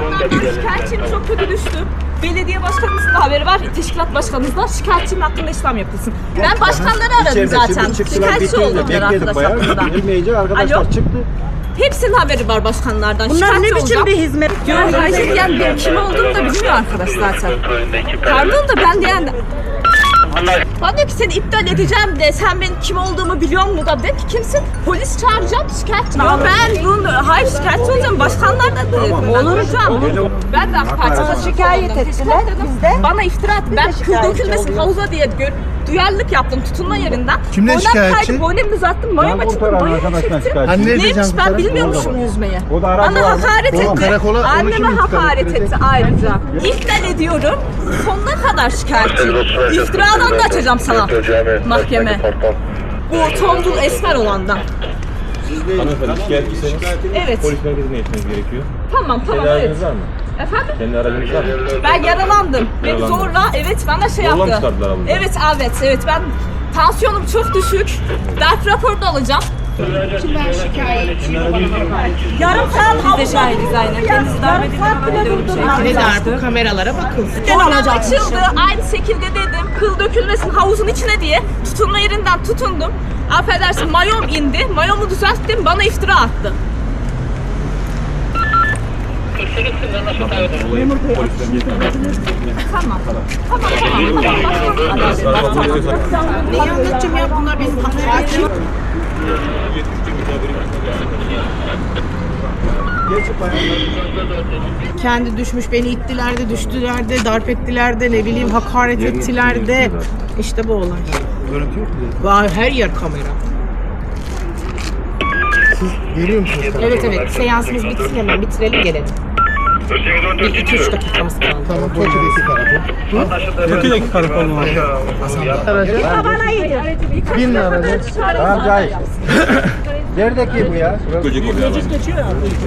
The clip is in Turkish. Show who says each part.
Speaker 1: Başkanlardan şikayetçiyim, çok kötü düştüm. Belediye başkanımızın da haberi var, teşkilat başkanımız da şikayetçiyim, hakkında işlem yapılsın. Ben başkanları aradım zaten. Şikayetçi oldum ben arkadaşlarımdan.
Speaker 2: Gelmeyince arkadaşlar çıktı.
Speaker 1: Hepsinin haberi var başkanlardan.
Speaker 3: Bunlar ne biçim bir hizmet?
Speaker 1: Diyor, hayır yani benim kim olduğumu da bilmiyor arkadaş zaten. Pardon da ben de yani... Bana diyor ki seni iptal edeceğim de sen benim kim olduğumu biliyor musun da dedim ki kimsin? Polis çağıracağım, şikayetçi. Ya ben bunu, hayır şikayetçi olacağım, başkanlardan da olacağım. Ben de AK Parti'ye
Speaker 3: Şikayet ettiler, biz de.
Speaker 1: bana iftira attı. Ben kıl dökülmesin havuza diye duyarlılık yaptım tutunma yerinden.
Speaker 4: Kimden şikayetçi?
Speaker 1: Boynumda uzattım, mayom açıldı, mayom çektim. Neymiş ben bilmiyormuşum yüzmeyi. Bana hakaret etti. Anneme hakaret etti ayrıca. İptal ediyorum. Sonuna kadar şikayetçiyim. İftiradan da açacağım sana mahkeme. Bu tombul esmer olandan.
Speaker 5: Hanımefendi şikayetçisiniz.
Speaker 1: Evet.
Speaker 5: Polis merkezine gitmeniz gerekiyor.
Speaker 1: Tamam
Speaker 5: Kendi
Speaker 1: evet.
Speaker 5: aracınız var mı?
Speaker 1: Efendim?
Speaker 5: Kendi aracınız var mı?
Speaker 1: Ben yaralandım. Beni
Speaker 5: Yaralandın.
Speaker 1: zorla bana şey
Speaker 5: Zorla mı
Speaker 1: yaptı.
Speaker 5: çıkardılar abla?
Speaker 1: Evet ben tansiyonum çok düşük. Darp raporu da alacağım.
Speaker 6: Ben şikayetçiyim.
Speaker 1: Yarım saat havuzda.
Speaker 3: Biz de şahidiz aynen. Kendisi darp edildi.
Speaker 6: Ne darbe kameralara bakın.
Speaker 1: Boynum açıldı. Aynı şekilde dedim. Kıl dökülmesin havuzun içine diye tutunma yerinden tutundum. Affedersin mayom indi. Mayomu düzelttim. Bana iftira attı. Tamam.
Speaker 6: Neyi anlatacağım ya, bunlar benim hakaretim. Kendi düşmüş, beni ittiler de, düştüler de, darp ettiler de, ne bileyim hakaret ettiler de. İşte bu olay.
Speaker 4: Görüntü yok mu?
Speaker 6: Var, her yer kamera.
Speaker 4: Geliyor musunuz?
Speaker 6: Evet, seansımız bitsin hemen, bitirelim gelelim. Bir 2-3 dakikamız kaldı.
Speaker 4: Tamam, Tokyo'daki karakol.
Speaker 5: Tokyo'daki karakol mu?
Speaker 1: Bana iyi.
Speaker 2: Bin lira. Tamam Cahit. Neredeki bu ya?
Speaker 5: Göcek oluyor.